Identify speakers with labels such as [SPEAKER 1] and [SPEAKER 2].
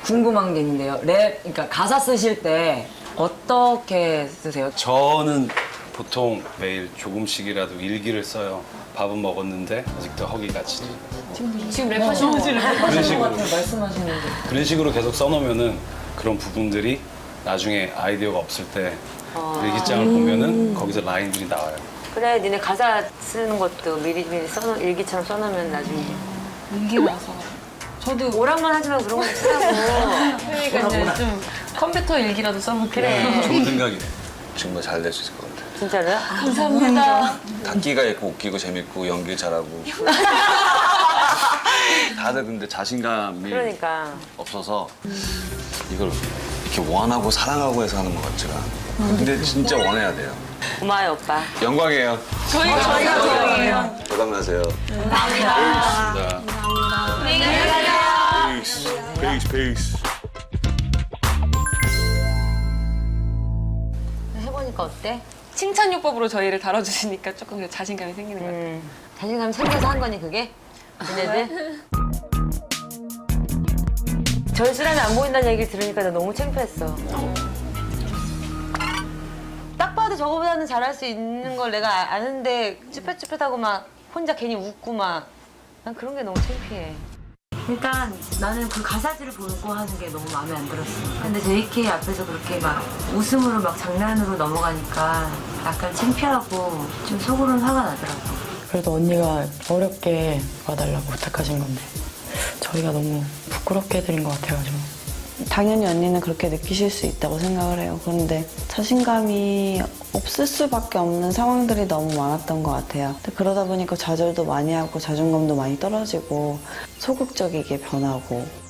[SPEAKER 1] 궁금한 게 있는데요. 그러니까 가사 쓰실 때 어떻게 쓰세요?
[SPEAKER 2] 저는 보통 매일 조금씩이라도 일기를 써요. 밥은 먹었는데 아직도 허기가 지지.
[SPEAKER 3] 지금 랩하시는 거예요?
[SPEAKER 2] 그런 식으로.
[SPEAKER 1] 말씀하시는데.
[SPEAKER 2] 그런 식으로 계속 써놓으면은 그런 부분들이 나중에 아이디어가 없을 때 일기장을 보면은 거기서 라인들이 나와요.
[SPEAKER 4] 그래, 니네 가사 쓰는 것도 미리미리 일기처럼 써놓으면 나중에.
[SPEAKER 3] 일기라서. 저도
[SPEAKER 4] 오락만 하지 말고 그런 거 쓰라고.
[SPEAKER 3] 그러니까 이제 좀 컴퓨터 일기라도 써볼게요.
[SPEAKER 4] 그래.
[SPEAKER 2] 좋은 생각이네.
[SPEAKER 5] 정말 잘 될 수 있을 것 같아요.
[SPEAKER 4] 진짜로요?
[SPEAKER 3] 감사합니다.
[SPEAKER 5] 단기가 있고 웃기고 재밌고 연기 잘하고. 다들 근데 자신감이
[SPEAKER 4] 그러니까.
[SPEAKER 5] 없어서 이걸 이렇게 원하고 사랑하고 해서 하는 것 같지가 않아요. 근데 진짜 원해야 돼요.
[SPEAKER 4] 고마워요, 오빠.
[SPEAKER 5] 영광이에요.
[SPEAKER 3] 저희가 영광이에요.
[SPEAKER 5] 대박나세요.
[SPEAKER 2] 감사합니다.
[SPEAKER 5] 페이스 페이스.
[SPEAKER 4] 해보니까 어때?
[SPEAKER 3] 칭찬요법으로 저희를 다뤄주시니까 조금 자신감이 생기는 것 같아요.
[SPEAKER 4] 자신감 생겨서 한 거니, 그게? 얘네들? 절실함이 안 보인다는 얘기를 들으니까 나 너무 창피했어. 딱 봐도 저거보다는 잘할 수 있는 걸 내가 아는데 쭈뼛쭈뼛하고 막 혼자 괜히 웃고 막 난 그런 게 너무 창피해. 일단 나는 그 가사지를 보고 하는 게 너무 마음에 안 들었어. 근데 JK 앞에서 그렇게 막 웃음으로 막 장난으로 넘어가니까 약간 창피하고 좀 속으로는 화가 나더라고.
[SPEAKER 6] 그래도 언니가 어렵게 와달라고 부탁하신 건데 저희가 너무 부끄럽게 해드린 것 같아가지고
[SPEAKER 7] 당연히 언니는 그렇게 느끼실 수 있다고 생각을 해요. 그런데 자신감이 없을 수밖에 없는 상황들이 너무 많았던 것 같아요. 근데 그러다 보니까 좌절도 많이 하고 자존감도 많이 떨어지고 소극적이게 변하고